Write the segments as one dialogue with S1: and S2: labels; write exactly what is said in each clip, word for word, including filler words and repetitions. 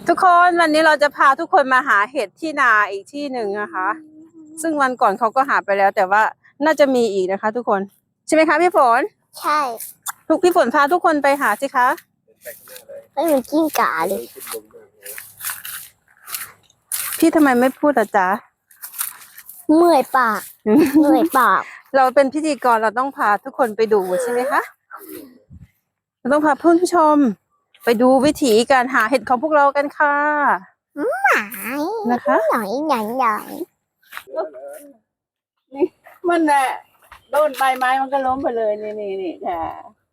S1: ทุกคนวันนี้เราจะพาทุกคนมาหาเห็ดที่นาอีกที่หนึ่งนะคะ ซึ่งวันก่อนเขาก็หาไปแล้ว แต่ว่าน่าจะมีอีกนะคะ ทุกคนใช่ไหมคะพี่ฝน
S2: ใช่
S1: ทุกพี่ฝนพาทุกคนไปหาสิคะ
S2: ไม่เหมือนกิ้งก่าเลย
S1: พี่ทำไมไม่พูดอ่ะจ๊ะ
S2: เมื่อยปากเมื่อยปาก
S1: เราเป็นพิธีกรเราต้องพาทุกคนไปดูใช่ไหมคะเราต้องพาเพื่อนผู้ชมไปดูวิถีการหาเห็ดของพวกเรากันค่ะนะคะ
S2: หน่อยหน่อยหน่อย
S1: นี่มันแหละโดนใบไม้มันก็ล้มไปเลยนี่นี่นี่ค่ะ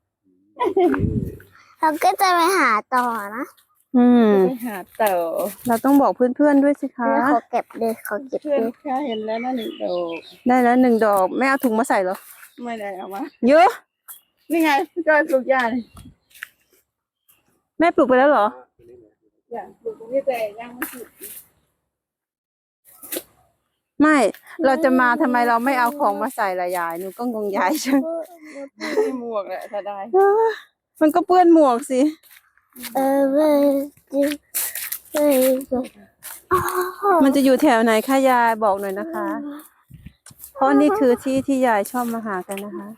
S2: เราก็จะไปหาต่อนะ
S1: อืมไปหาต่อเราต้องบอกเพื่อนๆด้วยสิคะ
S2: ขอเก็บเลยขอเก็บเลย
S1: ค่ะเห็นแล้วนะหนึ่งดอกได้แล้วหนึ่งดอกแม่เอาถุงมาใส่เหรอไม่ได้เอามาเยอะนี่ไงพี่จอยปลูกยาเลยแม่ปลูกไปแล้วเหรอยังปลูกตรงนี้แต่ยังไม่สุดไม่เราจะมาทำไมเราไม่เอาของมาใส่ละยายหนูก็งงยายใช่ไหมหมวกแหละถ้าได้มันก็เปื้อนหมวกสิ
S2: เออเว้ยเว้ย
S1: มันจะอยู่แถวไหนคะยายบอกหน่อยนะคะเพราะนี่คือที่ที่ยายชอบมาหากันนะคะ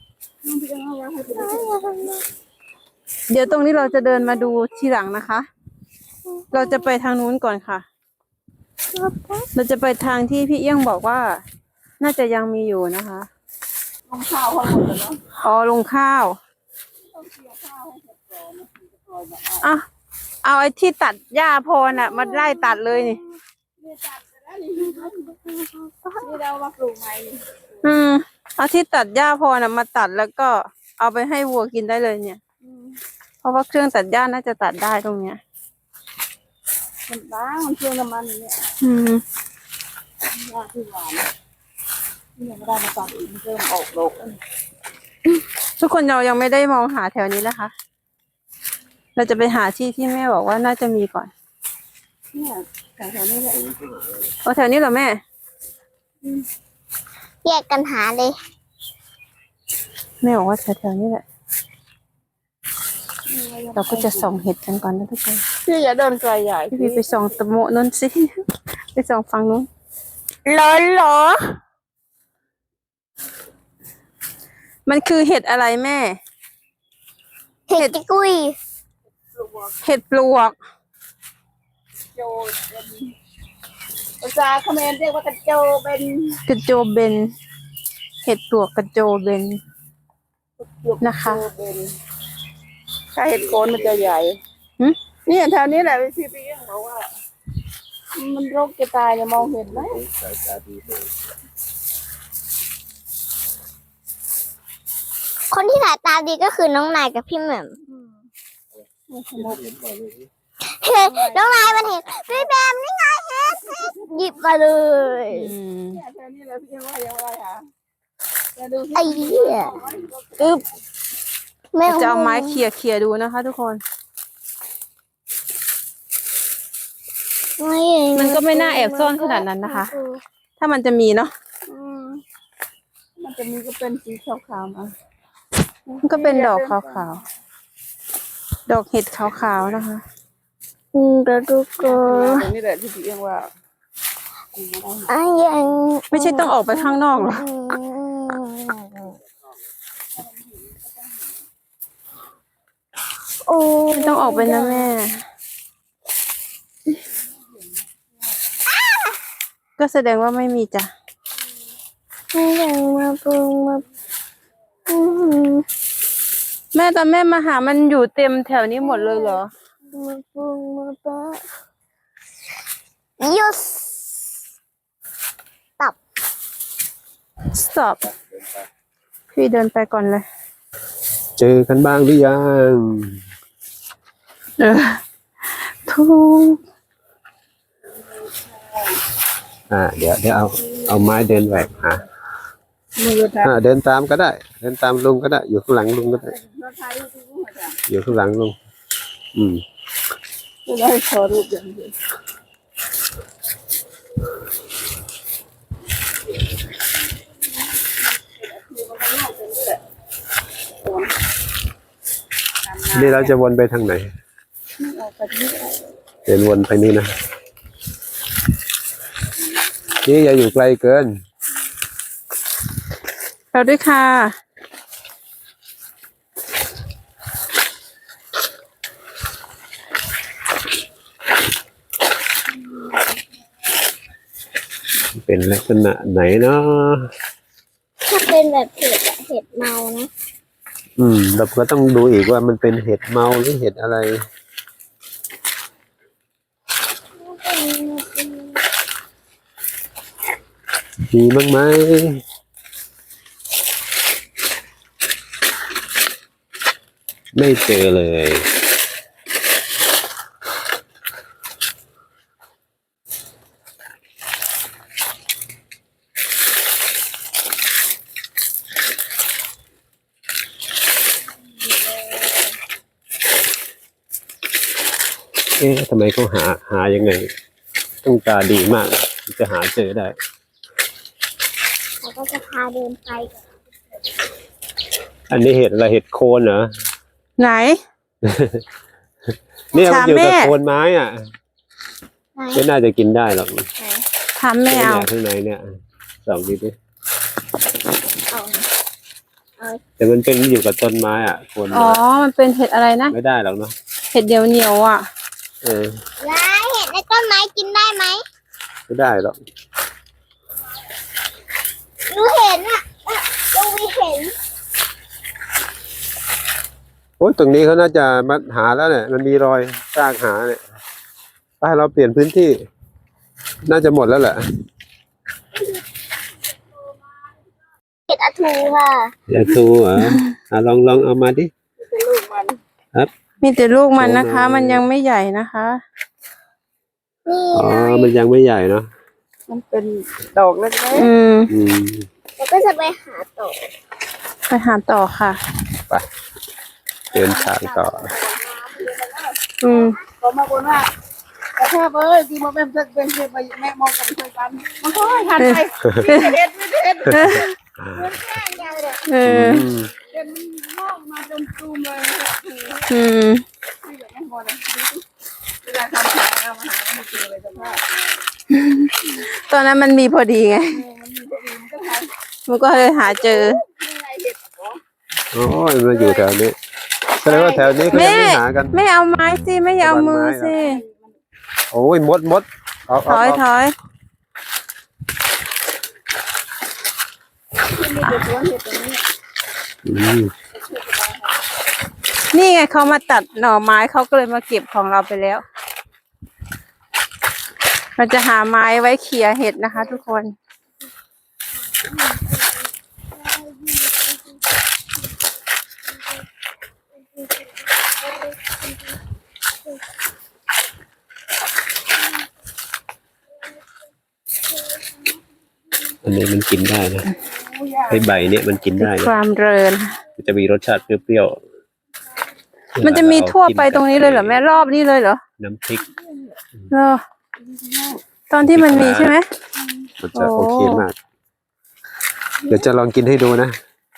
S1: เดี๋ยวตรงนี้เราจะเดินมาดูทีหลังนะคะเราจะไปทางนู้นก่อนค่ะเราจะไปทางที่พี่เอี้ยงบอกว่าน่าจะยังมีอยู่นะคะลงข้าวเขาหมดแล้วเนาะอ๋อลงข้าวอ่ะเอาไอ้ที่ตัดหญ้าพอน่ะมาไล่ตัดเลยนี่นี่เรามาปลูกใหม่อืมเอาที่ตัดหญ้าพอน่ะมาตัดแล้วก็เอาไปให้วัวกินได้เลยเนี่ยเพราะว่าเครื่องตัดหญ้าน่าจะตัดได้ตรงเนี้ยมันบ้างมันเครื่องน้ำมันเนี่ยอืมหญ้าที่หวานนี่ยังไม่ได้มาตัดอีกมันเริ่มออกดอกทุกคนเรายังไม่ได้มองหาแถวนี้นะคะเราจะไปหาที่ที่แม่บอกว่าน่าจะมีก่อนเนี่ยแถวนี้แหละเอาแถวนี้เหรอแม่
S2: แยกกันหาเลย
S1: แม่บอกว่าแถวนี้แหละเราก็จะส่องเห็ดกันก่อนนะทุกคนพี่อย่าเดินไกลใหญ่พี่ไปส่องตะโมนั่นสิไปส่องฟังนู้น
S2: หรอหรอ
S1: มันคือเห็ดอะไรแม่
S2: เห็ดกุ้ย
S1: เห็ดปลวกโจเป็นภาษาเขมรเรียกว่ากระโจเป็นกระโจเบนเห็ดปลวกกระโจเบนนะคะถ้าเห็ดโคนมันจะใหญ่นี่แถวนี้แหละพี่พี่ยังบอกว่ามันโรคจะตายจะมองเห็นไหม
S2: คนที่สายตาดีก็คือน้องนายกับพี่แหม่มเฮ้ยน้องนายมันเห็นพี่แหม่มนี่ไงเห็ดหยิบมาเลย
S1: แถวนี้แหละพี่ยังว่ายังไงคะ
S2: ไอ้เหี้ยอึ๊บ
S1: จะเอาไม้เขี่ยเขี่ยดูนะคะทุกคนมันก็ไม่น่าแอบซ่อนขนาดนั้นนะคะถ้ามันจะมีเนาะมันจะมีก็เป็นสีขาวๆนะมันก็เป็นดอกขาวๆดอกเห็ดขาวๆนะคะ
S2: อืมกระดูกก็
S1: นี่แหละที่พี่เรียกว่า
S2: อ่ะยัง
S1: ไม่ใช่ต้องออกไปข้างนอกหรอ
S2: โอ้
S1: ต้องออกไปนะแม่ก็แสดงว่าไม่มีจ้ะ
S2: ไม่ยังมาปรุงมา
S1: แม่ตอนแม่มาหามันอยู่เต็มแถวนี้หมดเลยเหรอ
S2: มาปรุงมาปะยุสตับ
S1: stop พี่เดินไปก่อนเลย
S3: เจอกันบ้างหรือยัง
S1: เออทุก
S3: อ่าเดี๋ยวเดี๋ยวเอาเอาไม้เดินแหวกหาอ่าเดินตามก็ได้เดินตามลุงก็ได้อยู่ข้างหลังลุงก็ได้อยู่ข้างหลังลุงอืม
S1: ได้ขอรูปอย่างเดียว
S3: นี่เราจะวนไปทางไหนเดินวนไปนี่นะนี่อย่าอยู่ไกลเกิน
S1: เราด้วยค่ะ
S3: เป็นลักษณะไหนเนาะ
S2: ถ้าเป็นแบบเห็ดอะเห็ดเมานะ
S3: อืมเราก็ต้องดูอีกว่ามันเป็นเห็ดเมาหรือเห็ดอะไร มีบ้างไหมไม่เจอเลย เอ๊ะทำไมเขาหาหายังไง ต้องตาดีมากถึงจะหาเจอได้
S2: เขาก็จะพาเดินไป
S3: อันนี้เห็ดอะไรเห็ดโคนเหรอ
S1: ไหน
S3: เนี่ยมันอยู่
S1: ถามแม่
S3: กับโคนไม้อ่ะ
S2: ไหน
S3: ไม่น่าจะกินได้หรอก
S1: ทำไม่เอา
S3: นี่ยข้างในเนี่ยสองนิดดิ
S2: เอา
S3: แต่มันเป็นอยู่กับต้นไม้อ่ะโคน
S1: อ๋
S3: ไม้
S1: อ มันเป็นเห็ดอะไรนะ
S3: ไม่ได้หรอกเนาะ
S1: เห็ดเดียวเหนียวๆอ่ะ
S3: เออ
S2: แล้วเห็ดในต้นไม้กินได้ไหม
S3: ไม่ได้หรอก
S2: หนูเห็นอะลูกวีเห็น
S3: โอ้ยตรงนี้เขาน่าจะมาหาแล้วเนี่ยมันมีรอยสร้างหาเนี่ยไปเราเปลี่ยนพื้นที่ น่าจะหมดแล้วแหละ
S2: เห็ดอะทูค่ะ
S3: อย่าทูเหรออ่ะลองลองเอามาดิ
S1: มีแต่ลูกมันนะคะ
S3: โอ้โห
S1: มันยังไม่ใหญ่นะคะ
S2: นี่
S3: อ๋อมันยังไม่ใหญ่เนาะ
S4: มันเป็นดอกเล็ก
S1: อืม
S3: อืม
S2: เราก็จะไปหาต่อ
S1: ไปหาต่อค่ะ
S3: เดินทางต่อ
S1: อืม
S4: ๆเขามาบนว่าแต่ถ้าเอ้ยที่มาเป็นเป็นเป็นไปแม่มองกันช่วยกันมันก็ให้หันไปไม่เด็ดไม่เด็ด
S1: เออ
S3: อืม
S4: เป็นงอกมาจนตูมเลย
S1: อืม
S4: ไม่อยากให้พอนะเวลาทำแผลเอามาหาไม่เจอเลยสภาพ
S1: ตอนนั้นมันมีพอดีไง
S4: มันมีพอดีมันก็ทาน
S1: มันก็เลยหาเจอ
S4: ไม่ไรเห็ดหรอ
S3: โอ้ยมันอยู่แถวนี้แสดงว่าแถวนี้เขายังไม่หากัน
S1: ไม่เอาไม้สิ ไม่เอามือสิ
S3: โอ้ยมดมดเอา
S1: ถ
S3: เอา
S1: อยถ
S3: เอา
S1: อย
S4: มีแต่สวนเห็ดตรงนี้
S3: อืม
S1: นี่ไงเขามาตัดหน่อไม้เขาก็เลยมาเก็บของเราไปแล้วเราจะหาไม้ไว้เขี่ยเห็ดนะคะ ทุกคน
S3: อันนี้มันกินได้นะไอ้ใบเนี่ยมันกินได้
S1: ค
S3: นะ
S1: วามเริน
S3: มันจะมีรสชาติเปรี้ยวๆ
S1: มันจะมีทั่วไปตรงนี้เลยเหรอแม่รอบนี้เลยเหรอ
S3: น้ำพริก
S1: เหรอตอนที่มันมีใช่ไหม
S3: มันจะ
S1: โอ้
S3: โอเคมาก เดี๋ยวจะลองกินให้ดูนะ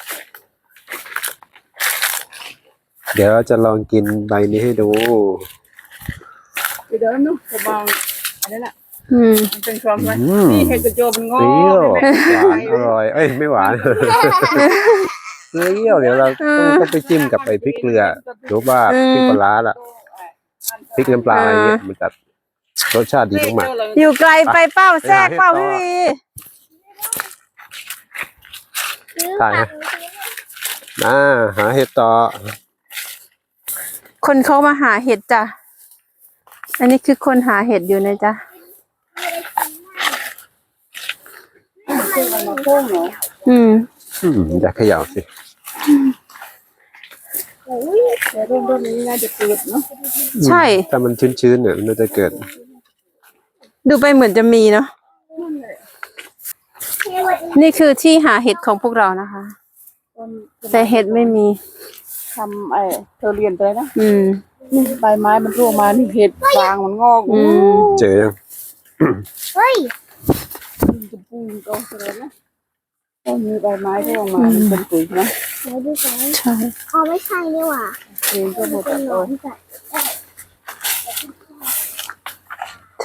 S3: เดี๋ยวจะลองกินใบนี้ให้ดู
S4: เดี๋ยวนู้นบางอันนั้นแหละ
S1: อืม
S4: มันเป็นความว่า
S3: อืม
S4: นี่เห็ดกระโจมงอ
S3: เปรี้ยว
S4: แม่
S3: หวานอร่อย เอ้ยไม่หวานเปรี้ยวเดี๋ยวเราต้องต้องไปจิ้มกับไอ้พริกเกลือหรือว่าพริกปลาร้าล่ะพริกน้ำปลาอะไรเงี้ยมันจะรสชาติดีมาก
S1: อยู่ไกลไปเป้าแทรกเป้าพี่วี
S2: ซื้อ
S3: ๆถ่าย
S2: ผั
S3: นะ
S2: ก
S3: อ่าหาเห็ดต่อ
S1: คนเขามาหาเห็ดจ้ะ อันนี้คือคนหาเห็ดอยู่นะจ๊ะ
S4: มันมาโค้งเหรอ
S1: อืม
S3: อืมอยากเขย่าสิ
S4: แต่เริ่มต้นนี้น่าจะเกิดเนาะ
S1: ใช่
S3: ถ้ามันชื้นๆเนี่ยมันจะเกิด
S1: ดูไปเหมือนจะมีเนาะ นี่คือที่หาเห็ดของพวกเรานะคะ
S4: ต้น
S1: แต่เห็ดไม่มี
S4: ทำไอ้เธอเรียนไปนะ
S1: อืม
S4: นี่ใบไม้มันร่วงมานี่เห็ดฟางมันงอก
S1: อืม
S3: เจอยัง
S2: เฮ้ย
S4: จะปูนก็เสร็จนะก็มีใบไม้ร่วงมามันเป็นปุ๋ยนะ
S2: ไหนดูก่อน
S1: ใช่
S2: อ๋อไม่ใช่นี่หว่า
S4: เองก็หมด
S2: เป็นหน
S4: ตั
S2: อ
S4: วน
S2: จ้ะ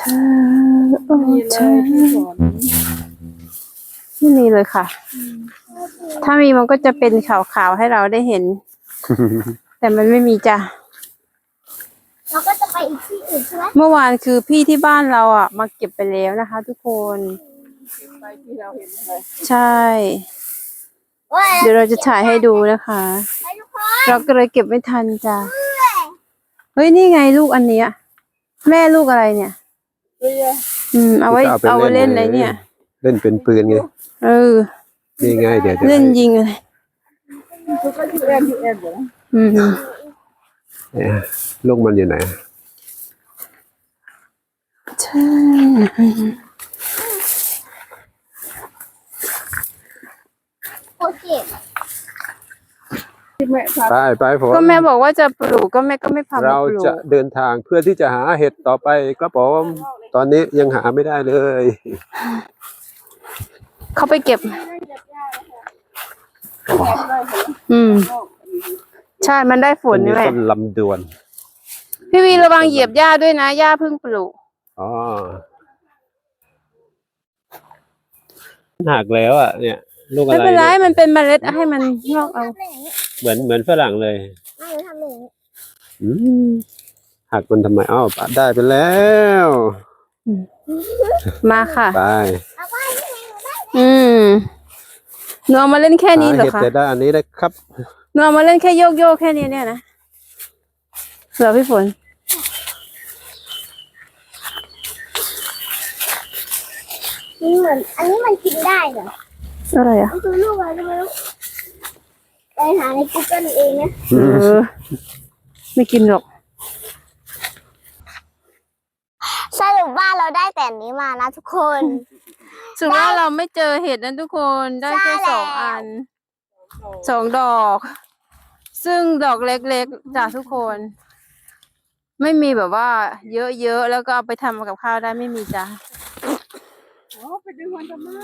S1: ธอโอ้
S4: มี
S1: เธ
S4: เล
S1: อย
S4: ที่สอน
S1: ไม่มีเลยค่ะ ถ้ามีมันก็จะเป็นขาวๆให้เราได้เห็น แต่มันไม่มีจ้ะ
S2: เราก็จะไปอีกที่อื่นใช่ไหม
S1: เมื่อวานคือพี่ที่บ้านเราอ่ะ มาเก็บไปแล้วนะคะ ทุกคน
S4: ไปที่เราเห็นเลย
S1: ใช่
S2: ว้า
S1: เดี๋ยวเราจะถ่ายให้ดูนะคะ
S2: ไปทุกคน
S1: เราก็เลยเก็บไม่ทันจ้ะ เฮ้ยนี่ไงลูกอันเนี้ยแม่ลูกอะไรเนี่ย
S4: เรือ
S1: อืม เอาไว้เอาไว้เล่นอะไรเนี่ย
S3: เล่นเป็นปืนไง
S1: เออ
S3: นี่ไงเดี๋ยวจะ
S1: เล่นยิงอะไร
S4: ทุกคนที่เอ็นที่เอ็นเหรอ
S1: อืม
S3: เนี่ยลูกมันอยู่ไหน
S1: ใช่
S2: โอเค
S4: ที่แม่พา
S3: ไปไปผม
S1: ก็แม่บอกว่าจะปลูกก็แม่ก็ไม่พามา
S3: เรา
S1: ปลู
S3: จะ
S1: ก
S3: เดินทางเพื่อที่จะหาเห็ดต่อไปครับผมตอนนี้ยังหาไม่ได้เลย
S1: เขาไปเก็บ อืม ใช่ มันได้ฝ
S3: ต้
S1: น
S3: นนี้
S1: นี่แหละ
S3: ต้นลำดวน
S1: พี่วีระวังเหยียบหญ้าด้วยนะหญ้าเพิ่งปลูก
S3: อ๋อหักแล้วอ่ะเนี่ย ลูกอะ
S1: ไม่
S3: ไร
S1: เป็นไร
S3: เนี่ย
S1: มันเป็นเมล็ดให้มันงอกเอา
S3: เหมือนเหมือนฝรั่งเลย
S2: ไม่ทำอย่างนี้
S3: อืมหักมันทำไมอ้าวปัดได้ไปแล้ว
S1: มาค่ะ
S3: ไป
S2: เอาไว้ที่ไหนหนูได้
S1: อืมหนูเอามาเล่นแค่นี้เหรอ
S3: หาเห็ด
S1: คะ
S3: แต่ได้อันนี้ได้ครับ
S1: หนูเอามาเล่นแค่โยกโยกๆแค่นี้เนี่ยนะเหรอพี่ฝน
S2: นี่เหมือนอันนี้มันกินได้เหรอ
S1: อะไรอ่ะ
S2: มันคือลูกอะไรก็ไม่รู้ไปหาใน Google เองนะ
S1: เออ ไม่กินหรอก
S2: สรุปว่าเราได้แต่อันนี้มานะทุกคน
S1: สุดว่าเราไม่เจอเห็ดนั้นทุกคนได้แค่
S2: ใช่แล้ว
S1: สองอันสองดอก ซึ่งดอกเล็กๆจากทุกคน ไม่มีแบบว่า เยอะๆแล้วก็เอาไปทำกับข้าวได้ไม่มีจ้ะ
S4: โอ้ไปดึงมันทำไม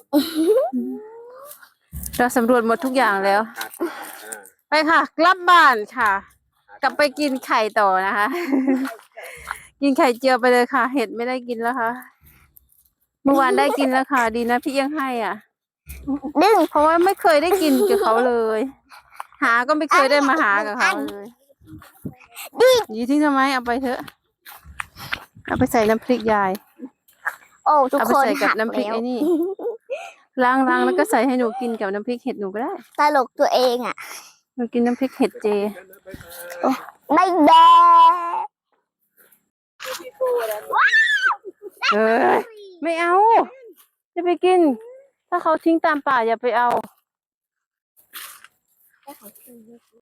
S1: เราสำรวจหมดทุกอย่างแล้ว ไปค่ะ กลับบ้านค่ะ กลับไปกินไข่ต่อนะคะ กินไข่เจียวไปเลยค่ะ เห็ดไม่ได้กินแล้วค่ะ เมื่อวานได้กินแล้วค่ะ ดีนะพี่ยังให้อ่ะ
S2: ดึง
S1: เพราะว่าไม่เคยได้กินกับเขาเลย หาก็ไม่เคยได้มาหากับเขาเลยยี่ทิ้งทำไมเอาไปเถอะ เอาไปใส่น้ำพริกยาย
S2: โอ้ทุก
S1: เอาไป
S2: คน
S1: ใส่กับ
S2: หัก
S1: น้ำพริก
S2: แล้ว
S1: ไอ้นี่ล้างล้างแล้วก็ใส่ให้หนูกินกับน้ำพริกเห็ดหนูก็ได้
S2: ตลกตัวเองอ่ะ
S1: หนูกินน้ำพริกเห็ดเจ
S2: ไม่แดง
S1: เออไม่เอา จะไปกิน ถ้าเขาทิ้งตามป่าอย่าไปเอา